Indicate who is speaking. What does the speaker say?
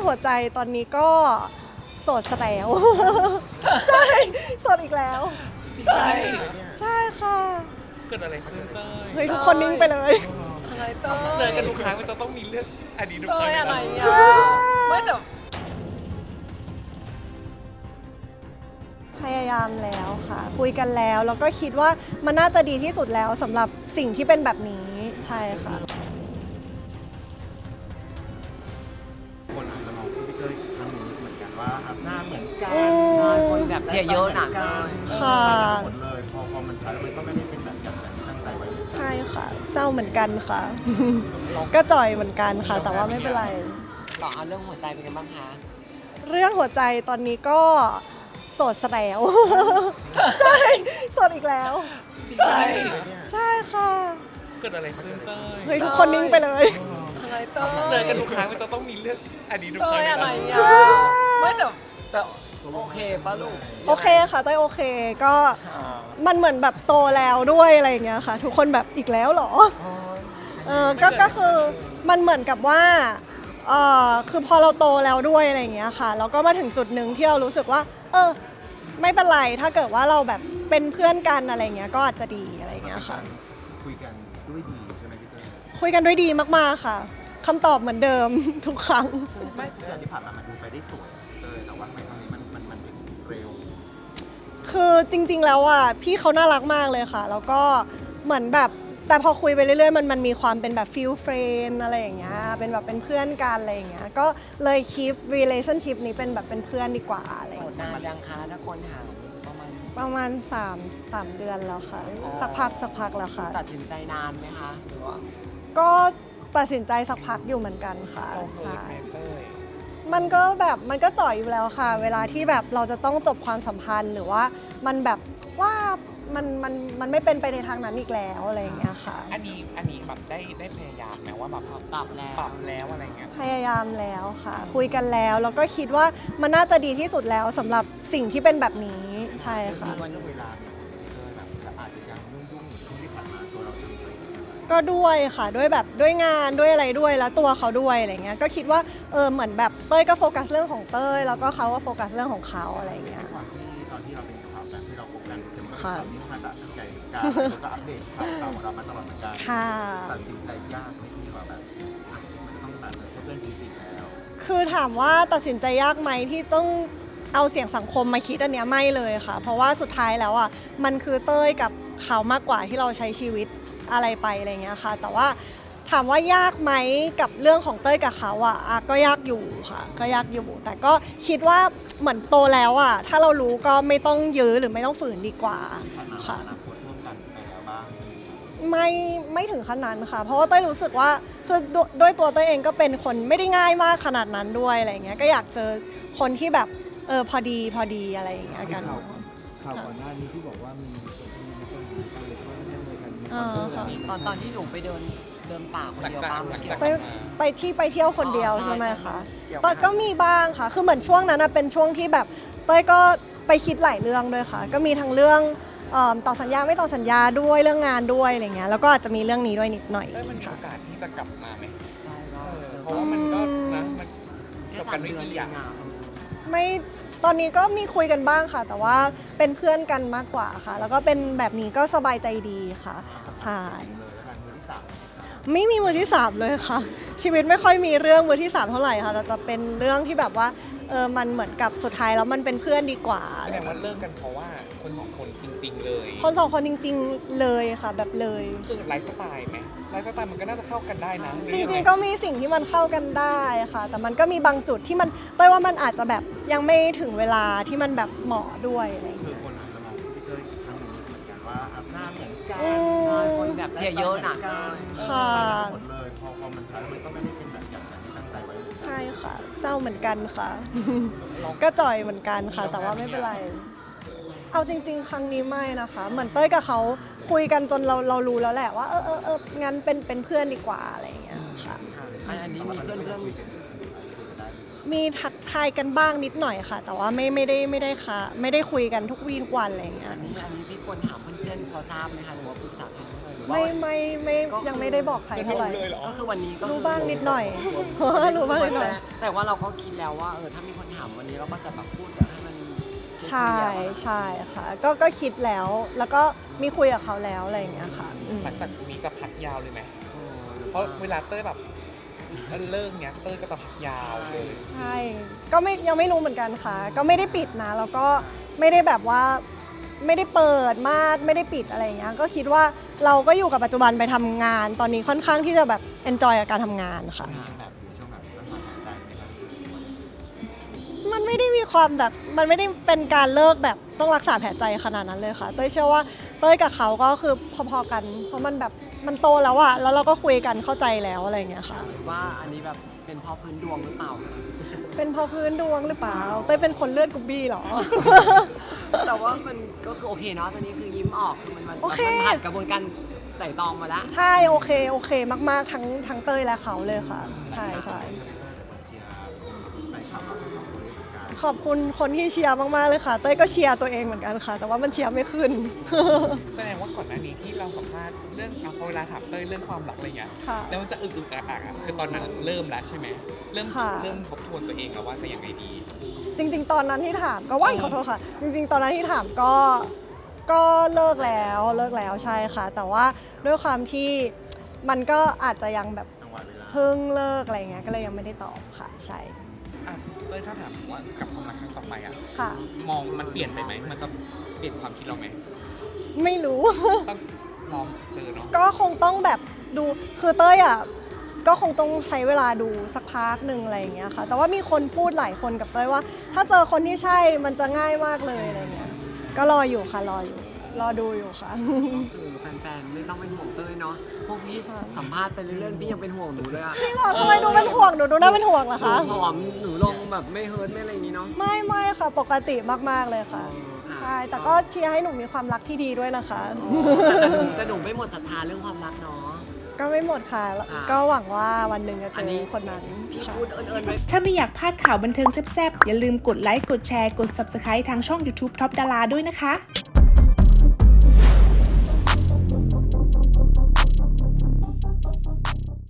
Speaker 1: หัวใจตอนนี้ก็โสดซะแล้ว ใช่โสดอีกแล้ว
Speaker 2: ใช่
Speaker 1: ใช่ค่ะ
Speaker 2: เกิดอะไรขึ้นเต้ย
Speaker 1: เฮ้ยทุกคนนิ่งไปเลย
Speaker 3: อะไรเต้ย
Speaker 2: เจอกันทุกครั้งมันจะต้องมีเรื่องอดีตทุกค
Speaker 3: เต้
Speaker 2: รั้ง
Speaker 3: ยอะไร
Speaker 2: นะ
Speaker 3: อ่ะไม่แต่
Speaker 1: พยายามแล้วค่ะ คุยกันแล้วแล้วก็คิดว่ามันน่าจะดีที่สุดแล้วสำหรับสิ่งที่เป็นแบบนี้ใช่ค่ะ
Speaker 4: คนอาจจะมองพี่เต้ยครั้งนี้เหมือนกันว่าหน้าเหมือนกัน
Speaker 3: ใช่คนแบบเชียร์เยอะหนักเลย
Speaker 1: ค่ะ
Speaker 4: หมดเลยพอมันใช้แล้วมันก็ไม่ได้เป็นแบบอย่างที่ตั้งใจไว้เลย
Speaker 1: ใช่ค่ะเจ้าเหมือนกันค่ะ ก็จ่อยเหมือนกันค่ะ แต่ว่าไม่เป็นไร
Speaker 3: ต่อเอาเรื่องหัวใจเป็นไงบ้างคะ
Speaker 1: เรื่องหัวใจตอนนี้ก็โสดซะแล้ว ใช่โสดอีกแล้ว
Speaker 2: ใช่
Speaker 1: ใช่ค่ะ
Speaker 2: เกิดอะไรขึ้นเต้ย
Speaker 1: เฮ้ยทุกคนนิ่งไปเลย
Speaker 3: อะไรเต้ย
Speaker 2: เจอกันทุกครั้งมันจะต้องมีเรื่องอดีตทุกค
Speaker 3: เต้
Speaker 2: รั้ง
Speaker 3: ยอะไร
Speaker 2: นะ
Speaker 3: อ่ะไม่แต่โอเคป่ะลูก
Speaker 1: โอเคค่ะเต้ยโอเคก็มันเหมือนแบบโตแล้วด้วยอะไรอย่างเงี้ยค่ะ ทุกคนแบบอีกแล้วเหรอก็คือมันเหมือนกับว่าคือพอเราโตแล้วด้วยอะไรอย่างเงี้ยค่ะแล้วก็มาถึงจุดหนึ่งที่เรารู้สึกว่าไม่เป็นไรถ้าเกิดว่าเราแบบเป็นเพื่อนกันอะไรเงี้ยก็อาจจะดีอะไรอย่างเงี้ยค่ะ
Speaker 4: คุยกันด้วยดีใช่ไหมพี่เต้ย
Speaker 1: คุยกันด้วยดีมากๆค่ะคำตอบเหมือนเดิม ทุกครั้ง
Speaker 4: ไม่เดือนที่ผ่านมามันดูไปได้สวยพี่เต้ยแต่ว่าทำไมครั้งนี้มันเร็ว
Speaker 1: คือจริงๆแล้วอ่ะพี่เขาน่ารักมากเลยค่ะ แล้วก็เหมือนแบบแต่พอคุยไปเรื่อยๆมันมีความเป็นแบบฟิลเฟรนอะไรอย่างเงี้ยเป็นแบบเป็นเพื่อนกันอะไรอย่างเงี้ยก็เลยคีป relationship นี้เป็นแบบเป็นเพื่อนดีกว่าอะไรอ
Speaker 3: โส
Speaker 1: ย่าง
Speaker 3: ด
Speaker 1: เงี้ย
Speaker 3: นานยังคะถ้าคนถามประมาณ
Speaker 1: ประมาณ3 เดือนแล้วค่ะ
Speaker 3: อ๋อ
Speaker 1: สักพักแล้วค่ะ
Speaker 3: ตัดสินใจนานไหมคะหรือว่า
Speaker 1: ก็ตัดสินใจสักพักอยู่เหมือนกันค่ะ
Speaker 2: เราเกิด
Speaker 1: ใช่
Speaker 2: แม่เต้ย
Speaker 1: มันก็แบบมันก็จ่อยอยู่แล้วค่ะ เวลาที่แบบเราจะต้องจบความสัมพันธ์หรือว่ามันแบบว่ามันไม่เป็นไปในทางนั้นอีกแล้วอะไรอย่างเงี้ยค่ะ
Speaker 2: อันนี้แบบได้พยายามไหมว่าแบบ
Speaker 3: ปรับแล้ว
Speaker 2: ปรับแล้วอะไรเงี้ย
Speaker 1: พยายามแล้วค่ะ คุยกันแล้วแล้วก็คิดว่ามันน่าจะดีที่สุดแล้วสำหรับสิ่งที่เป็นแบบนี้ใช่ค่ะ
Speaker 4: วันเรื่องเวลาเนี่ยพี่เต้ยแบบอาจจะยังยุ่งๆช่วงที่ผ่านมาตัวเราเองเลย
Speaker 1: ก็ด้วยค่ะด้วยแบบด้วยงานด้วยอะไรด้วยแล้วตัวเขาด้วยอะไรเงี้ยก็คิดว่าเหมือนแบบเต้ยก็โฟกัสเรื่องของเต้ยแล้วก็เขาก็โฟกัสเรื่องของเขาอะไรเงี้ย
Speaker 4: ด้วยความที่ตอนที่เราเป็นข่าวกันที่เราคบกันเต็มก็
Speaker 1: ค่ะ
Speaker 4: ตอนนี้มาตัดสินใจการแล้วก็อัปเดตข่าวของเรามาตลอดเหมือนกัน
Speaker 1: ค่ะ
Speaker 4: ตัดสินใจยากไหมที่ว่าแบบมันต้องแบบเพื่อนจริงๆแล้ว
Speaker 1: คือถามว่าตัดสินใจยากไหมที่ต้องเอาเสียงสังคมมาคิดอันเนี้ยไม่เลยค่ะ เพราะว่าสุดท้ายแล้วอ่ะมันคือเต้ยกับเขามากกว่าที่เราใช้ชีวิตอะไรไปอะไรเงี้ยค่ะ แต่ว่าถามว่ายากไหมกับเรื่องของเต้ยกับเขาอ่ะก็ยากอยู่ค่ะ ก็ยากอยู่ แต่ก็คิดว่าเหมือนโตแล้วอ่ะถ้าเรารู้ก็ไม่ต้องยื้อหรือไม่ต้องฝืนดีกว่า
Speaker 4: ผ่านมา
Speaker 1: ค่ะ
Speaker 4: อนาคตร่วมกันไปแล้วบ้างใช่ไหมครับ
Speaker 1: ไม่ถึงขนาดนั้นค่ะ เพราะว่าเต้ยรู้สึกว่าคือด้วยตัวเต้ยเองก็เป็นคนไม่ได้ง่ายมากขนาดนั้นด้วยอะไรเงี้ยก็อยากเจอคนที่แบบพอดีอะไรอย่างเงี้ยกัน
Speaker 5: ข่าวก่อนหน้านี้ที่บอกว่ามีคนหญิงอะไรเขาเล่นเลยกันมี
Speaker 1: อ่า
Speaker 5: คนเจอ
Speaker 1: ค่ะ
Speaker 3: ตอนที่หนูไปเดินป่าคนเดียวบ้าง
Speaker 2: หลัง
Speaker 3: เกี่
Speaker 2: จา
Speaker 3: ยว
Speaker 2: ก
Speaker 1: ไป
Speaker 3: กับ
Speaker 1: ไปเที่ยวคนเดียว
Speaker 3: อ๋อใช่
Speaker 1: ใช่ไหมคะ
Speaker 3: เกี่ยว
Speaker 1: แต่ก็มีบ้างค่ะ คือเหมือนช่วงนั้นนะเป็นช่วงที่แบบเต้ยก็ไปคิดหลายเรื่องด้วยค่ะ ก็มีทั้งเรื่องต่อสัญญาไม่ต่อสัญญาด้วยเรื่องงานด้วยอะไรเงี้ยแล้วก็อาจจะมีเรื่องนี้ด้วยนิดหน่อย
Speaker 2: เต้ยมันมี
Speaker 1: ค่ะ
Speaker 2: โอกาสที่จะกลับมาไหม
Speaker 3: ใช่ก็
Speaker 2: เพราะว่ามันก็นะมัน
Speaker 3: แค่
Speaker 2: จบ
Speaker 3: สา
Speaker 2: กัน
Speaker 3: ม
Speaker 2: ด้วย
Speaker 3: เดือน
Speaker 2: ดี
Speaker 3: เอ
Speaker 2: อ่ะ
Speaker 3: งอ่ะ
Speaker 1: ไม่ตอนนี้ก็มีคุยกันบ้างค่ะ แต่ว่าเป็นเพื่อนกันมากกว่าค่ะ แล้วก็เป็นแบบนี้ก็สบายใจดีค่ะใช่
Speaker 4: เลยแล้วกันมือที่สาม
Speaker 1: ไม่มีมือที่สามเลยค่ะ ชีวิตไม่ค่อยมีเรื่องมือที่สามเท่าไหร่ค่ะแต่จะเป็นเรื่องที่แบบว่ามันเหมือนกับสุดท้ายแล้วมันเป็นเพื่อนดีกว่า
Speaker 2: แสดงว่าเลิกกันเพราะว่าคนสองคนจริง ๆ เลย
Speaker 1: คนสองคนจริง ๆเลยค่ะ แบบเลย
Speaker 2: คือไลฟ์สไตล์ไหมไลฟ์สไตล์มันก็น่าจะเข้ากันได้นะห
Speaker 1: จ
Speaker 2: อยัไ
Speaker 1: ริงๆก็มีสิ่งที่มันเข้ากันได้ค่ะ แต่มันก็มีบางจุดที่มันเต้ยว่ามันอาจจะแบบยังไม่ถึงเวลาที่มันแบบเหมาะด้วยอะไรอย่าง
Speaker 4: คื
Speaker 1: เงี้
Speaker 4: อย คนอาจจะมองพี่เต้ยครั้งนี้เหมือนกันว่าหน้าเหมือนกัน
Speaker 3: ใช่คนแบบเชียร์เยอะหนักเลย
Speaker 1: ค่ะ
Speaker 4: หมดเลยพอมันใช้แล้วมันก็ไม่ได้เป็นแบบอย่างที่ตั้งใจไว้เลย
Speaker 1: ใช่ค่ะเศร้าเหมือนกันค่ะ ก็จ่อยเหมือนกันค่ะ แต่ว่าไม่เป็นไร เอาจริง ๆ ครั้งนี้ไม่นะคะ เหมือนเต้ยกับเขาคุยกันจนเรารู้แล้วแหละว่างั้นเป็นเพื่อนดีกว่าอะไรอย่างเงี้ยค่ะ
Speaker 3: อันนี้มีเพื่อน
Speaker 1: มีทักทายกันบ้างนิดหน่อยค่ะ แต่ว่าไม่ได้ค่ะ ไม่ได้คุยกันทุกวีทุกวันอะไรอย่างเงี้ย
Speaker 3: อันนี้พี่ควรถามเพื่อนๆเขาทราบไหมคะหรือว่าปรึกษาใครไหมเอ่ยรือว่า
Speaker 1: ไม่ยังไม่ได้บอกใครเท่าไหร่
Speaker 2: เลยเหรอ
Speaker 3: ก็คือวันนี้ก็คือ
Speaker 1: รู้บ้างนิดหน่อย รู้บ้างนิดหน่อย
Speaker 3: แสดงว่าเราก็คิดแล้วว่าถ้ามีคนถามวันนี้เราก็จะแบบพูดให้มัน
Speaker 1: ใช่ใช่ค่ะก็คิดแล้วก็มีคุยกับเขาแล้วอะไรอย่างเงี้ยค่ะอืม
Speaker 2: หลังจากนี้จะพักยาวเลยไหมเพราะเวลาเต้ยแบบเลิกเนี้ยเต้ยก็จะพักยาวเลย
Speaker 1: ใช่ก็ยังไม่รู้เหมือนกันค่ะ ก็ไม่ได้ปิดนะแล้วก็ไม่ได้แบบว่าไม่ได้เปิดมากไม่ได้ปิดอะไรอย่างเงี้ยก็คิดว่าเราก็อยู่กับปัจจุบันไปทำงาน ตอนนี้ค่อนข้างที่จะแบบ enjoy กับการทำงานค่ะ
Speaker 4: แบบอยู่ช่วงแบบรักษาหายใจไหมครับ
Speaker 1: มันไม่ได้มีความแบบมันไม่ได้เป็นการเลิกแบบต้องรักษาแผลใจขนาดนั้นเลยค่ะเต้ยเชื่อว่าเต้ยกับเขาก็คือพอๆกัน เพราะมันแบบมันโตแล้วอะแล้วเราก็คุยกันเข้าใจแล้วอะไรอย่างเงี้ยค่ะ
Speaker 3: ว่าอันนี้แบบเป็นเพราะพื้นดวงหรือเปล่า
Speaker 1: เป็นเพราะพื้นดวงหรือเปล่าเต้ยเป็นคนเลือดกรุ๊บบี้เหรอ
Speaker 3: แต่ว่ามันก็คือโอเคเนาะตอนนี้คือยิ้มออกคือมัน
Speaker 1: โอเค
Speaker 3: ผ่านกระบวนการไต่ตองมาแล้ว
Speaker 1: ใช่โอเคมากๆทั้งเต้ยและเขาเลยค่ะใช่
Speaker 4: เชียร์ไปขับเราทั้งสองคนเลยเหมือนกัน
Speaker 1: ขอบคุณคนที่เชียร์มากๆเลยค่ะเต้ยก็เชียร์ตัวเองเหมือนกันค่ะ แต่ว่ามันเชียร์ไม่ขึ้น
Speaker 2: แสดงว่าก่อนหน้านี้ที่เราสัมภาษณ์เรื่องพอเวลาถามเต้ยเรื่องความรักอะไรเงี้ย
Speaker 1: ค่ะ
Speaker 2: แล้วมันจะอึกอักคือตอนนั้นเริ่มแล้วใช่ไหมเริ่ม
Speaker 1: ค่ะ
Speaker 2: เริ่มทบทวนตัวเองแล้วว่าจะยังไงดี
Speaker 1: จริงๆ ตอนนั้นที่ถามก็ว่าขอโทษค่ะ จริงๆ ตอนนั้นที่ถามก็เลิกแล้วใช่ค่ะ แต่ว่าด้วยความที่มันก็อาจจะยังแบบ
Speaker 4: จังหวะเวลา
Speaker 1: เพิ่งเลิกอะไรเงี้ยก็เลยยังไม่ได้ตอบค่ะใช่
Speaker 2: อ่ะเต้ยถ้าถามว่ากับความรักครั้งต่อไปอ่ะ
Speaker 1: ค่ะ
Speaker 2: มองมันเปลี่ยนไปไหมมันจะเปลี่ยนความคิดเราไหม
Speaker 1: ไม่รู้
Speaker 2: ต้องลองเจอเนาะ
Speaker 1: ก็คงต้องแบบดูคือเต้ยอ่ะก็คงต้องใช้เวลาดูสักพักหนึ่งอะไรอย่างเงี้ยค่ะ แต่ว่ามีคนพูดหลายคนกับเต้ยว่า ถ้าเจอคนที่ใช่มันจะง่ายมากเลยอะไรเงี้ยก็รออยู่ค่ะรอดูอยู่ค่ะ
Speaker 3: คือแฟนๆไม่ต้องเป็นห่วงเต้ยเนาะพวกพี่สัมภาษณ์ไปเรื่อยๆพี่ยังเป็นห่วงหนูเลยอะ
Speaker 1: พี่บอกทำไมดูเป็นห่วงหนูดูน่าเป็นห่วงเหรอ
Speaker 3: หนู
Speaker 1: คะ
Speaker 3: ผอมหนูลงแบบไม่เฮิร์ตไม่อะไรอย่างงี้เนาะ
Speaker 1: ไม่ค่ะปกติมากๆเลยค่ะ
Speaker 3: ค่ะ
Speaker 1: ใช่แต่ก็เชียร์ให้หนูมีความรักที่ดีด้วยนะคะ
Speaker 3: แต่หนูไม่หมดศรัทธาเรื่องความรักเนาะ
Speaker 1: ก็ไม่หมดค่ะ
Speaker 3: ค่ะ
Speaker 1: ก็หวังว่าวันหนึ่งจะเจ
Speaker 3: อันนี้
Speaker 1: อคนนั้น
Speaker 3: พี่
Speaker 1: ค่ะ
Speaker 3: พูดเอิญๆไว้
Speaker 6: ถ้าไม่อยากพลาดข่าวบันเทิงแซ่บๆ อย่าลืมกดไลค์ กดแชร์ กด Subscribe ทางช่อง YouTube Top Dara ด้วยนะคะ